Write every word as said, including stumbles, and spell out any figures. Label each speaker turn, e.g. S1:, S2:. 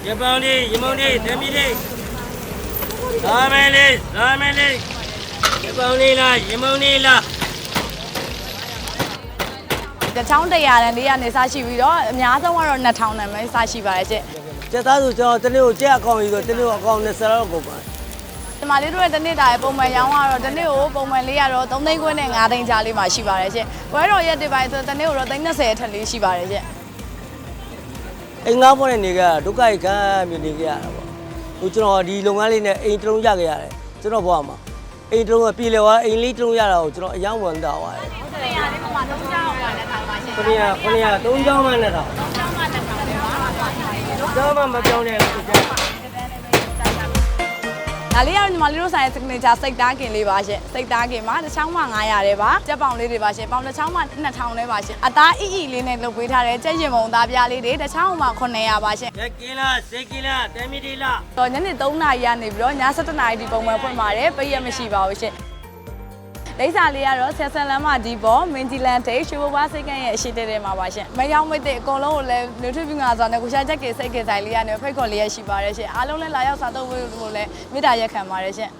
S1: ရပောင်းလေးရမုံလေးဓမီလေးလာမယ်လေးလာမယ်လေးရပောင်းလေးလားရမုံလေးလား
S2: တချောင်းတရာနဲ့လေးရနေစားရှိပြီးတော့အများဆုံးကတော့နှစ်ထောင်နဲ့ပဲစားရှိပါတယ်ရှင့်
S3: ကျက်သားဆိုကျွန်တော်တနေ့ကိုကြက်အကောင့်ယူဆိုတနေ့ကိုအကောင့်နဲ့ဆယ်လောက်ကုန်ပါတယ်
S2: ဒီမှာလေးတို့ရဲ့တနေ့တာရဲ့ပုံမှန်ရောင်းကတော့တနေ့ကိုပုံမှန်လေးရတော့သုံးသိန်းခွဲနဲ့ငါးသိန်းကြားလေးမှာရှိပါတယ်ရှင့်ဝဲတော်ရက်တွေပိုင်းဆိုတနေ့ကိုတော့သိန်း၂၀အထက်လေးရှိပါတယ်ရှင့်
S3: အိမ်ငါးပေါ်နဲ့နေကြတာဒုက္ခရိခံမြင်နေကြရတာပေါ့ဟိုကျွန်တော်ဒီလုပ်ငန်းလေးနဲ့အိမ်တစ်လုံးရခဲ့ရတယ်ကျွန်တော်ဘဝမှာအိမ်တစ်လုံးပြည်လေသွားအိမ်လေးတစ်လုံးရတာကိုကျွန်တော်အယောင်ဝန်တာသွားတယ်
S2: ဟုတ်တယ်ရတယ်ပုံမှန်သုံးချောင်းပါနဲ့ထားပါရှင့်
S3: ခဏရခဏရသုံးချောင်းမှနဲ့တော့
S2: သုံးချောင်းမှနဲ့ထားပါပါ
S3: ကျောင်းမှမပြောင်းနဲ့လို့ကျွန်တော်
S2: ဒါလေးကတော့ညီမလေးတို့ဆိုင်ရဲ့ signature စိတ်သားကင်လေးပါရှင်စိတ်သားကင်မှာတစ်ချောင်းမှငါးရာတဲ့ပါကြက်ပေါင်လေးတွေပါရှင်ပေါင်တစ်ချောင်းမှနှစ်ထောင်လေးပါရှင်အသားအီအီလေးနဲ့လုပ်ပေးထားတဲ့ကြက်ရင်မုံသားပြားလေးတွေတစ်ချောင်းမှခုနှစ်ရာပါရှင်
S1: ရက်ကင်းလားစိတ်ကင်းလားဓမီလေးလား
S2: တော့ညနေသုံးနာရီကနေပြီးတော့ည၁၁နာရီဒီပုံမှန်ဖွင့်ပါတယ်ပိတ်ရမရှိပါဘူးရှင်လိမ့်စာလေးကတော့ဆက်ဆန်လမ်းမဒီပေါ်မင်းဂျီလန်ဒေးရှိုးဘွားစိတ်ကန်းရဲ့အရှိတဲတဲမှာပါရှင်မယောင်းမိတ်တဲ့အကုန်လုံးကိုလည်း nutrient ငါဆိုတဲ့ကိုရှာချက်ကစိတ်ကင်ဆိုင်လေးကနေဖိတ်ခေါ်လေးရရှိပါတယ်ရှင်အားလုံးလည်းလာရောက်စားသုံးဖို့လည်းမေတ္တာရက်ခံပါတယ်ရှင်